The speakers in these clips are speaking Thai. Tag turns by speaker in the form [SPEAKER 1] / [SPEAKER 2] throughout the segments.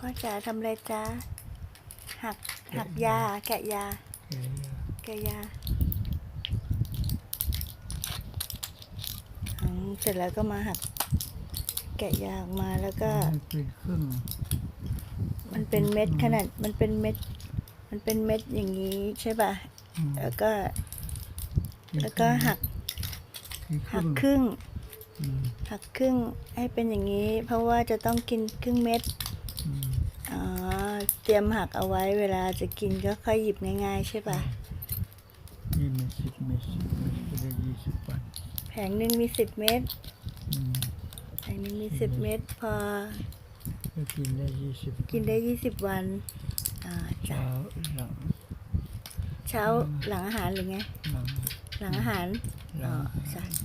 [SPEAKER 1] พ่อจ๋าทำอะไรจ๊ะหักยาแกะยาแกะยาเสร็จแล้วก็มาหักแกะยาออกมาแล้วก็
[SPEAKER 2] เป็นครึ่ง
[SPEAKER 1] มันเป็นเม็ดขนาดมันเป็นเม็ดอย่างนี้ใช่ป่ะแล้วก็หักครึ่งให้เป็นอย่างนี้เพราะว่าจะต้องกินครึ่งเม็ดเตรียมหักเอาไว้เวลาจะกินก็ค่อยหยิบง่ายๆใช่ป่ะ
[SPEAKER 2] นี่มัน10 เม็ดก็ได้20 วัน
[SPEAKER 1] แผงหนึ่งมี10 เม็ดแผงหนึ่งมี10 เม็ดพอ
[SPEAKER 2] กินได้
[SPEAKER 1] 20 วัน
[SPEAKER 2] เช้า
[SPEAKER 1] หลังอาหารหรือไงหลังอาหารใช่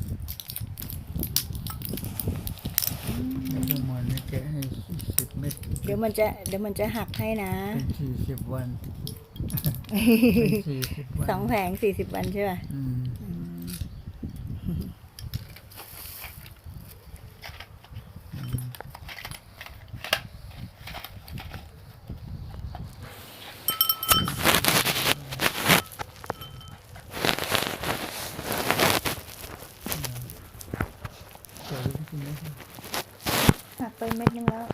[SPEAKER 2] แล้วก็มันแกะให้10 เม็ด
[SPEAKER 1] เดี๋ยวมันจะหักให้นะ
[SPEAKER 2] เป็น40 วัน
[SPEAKER 1] 2 แผง40 วันใช่ป่ะหักไปเม็ดนึงแล้ว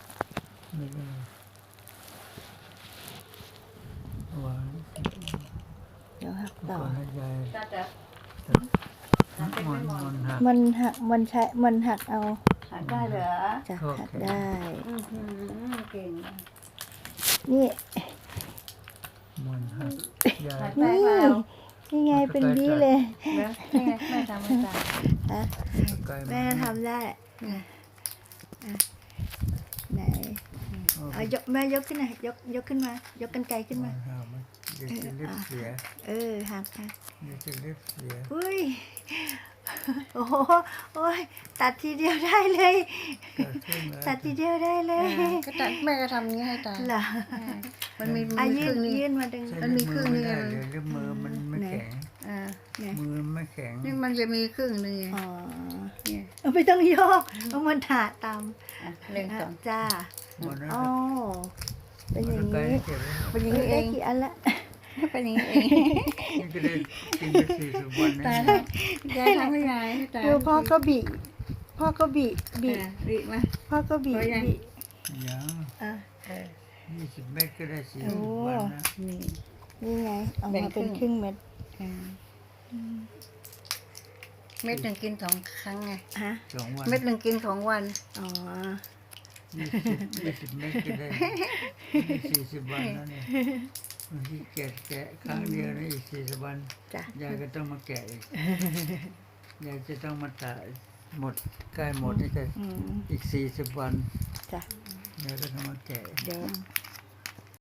[SPEAKER 1] เดี๋ยวหักต่อมันหักเอา
[SPEAKER 3] หักได้เหรอ
[SPEAKER 1] จะหักได้
[SPEAKER 3] เก่ง
[SPEAKER 1] นี่นี่ไงเป็นบี้เลย
[SPEAKER 3] แม่ทำไม่ได้
[SPEAKER 1] แม่ทำได้ไหนแม่ยกขึ้นหน่อยยกขึ้นมายกกรรไกรขึ้นมา
[SPEAKER 2] เดี๋ยวจะเล็บเสีย
[SPEAKER 1] หัก
[SPEAKER 2] เดี๋ยวจะเล็บเสีย
[SPEAKER 1] อุ้ยโอ้ยตัดทีเดียวได้เลย ตัดทีเดียวได้เลย
[SPEAKER 3] ก็ตัดแม่ก็ทำอย่างนี้ให้ตา
[SPEAKER 1] เหรอ
[SPEAKER 3] มันมี
[SPEAKER 1] ยื่นมาดึง
[SPEAKER 2] มันมีครึ่งนึงเลยมือมันไม่แข็งมือไม่แข็ง
[SPEAKER 3] นี่มันจะมีครึ่งนึง
[SPEAKER 1] ไม่ต้องโยกเอามันถาตาม
[SPEAKER 3] 1 2
[SPEAKER 1] จ้าเป็นอย่างนี้เองกี่อันละ
[SPEAKER 3] เป็นอย่างนี้เอง
[SPEAKER 2] นี่ก็ได้กินไป40 วันนะ
[SPEAKER 3] ยายทำให้ยาย
[SPEAKER 1] ดูพ่อก็บีมาพ่อก็บี
[SPEAKER 2] ยัง20 เม็ดก็ได้40 วันนะ
[SPEAKER 1] นี่ไงเอามาเป็นครึ่งเม็ด
[SPEAKER 3] เม็ด 1กิน2 ครั้งไง
[SPEAKER 2] 2 วัน
[SPEAKER 3] เม็ด 1กิน2 วัน
[SPEAKER 2] 20 เม็ดก็ได้40 วันแล้วเนี่ยบางทีแกะครั้งเดียวนะอีก40 วันยายก็ต้องมาแกะอีกยายจะต้องมาตัดหมดใกล้หมดนี่ก็อีก40 วันยายก็ต้องมาแกะ
[SPEAKER 1] เดี๋ยว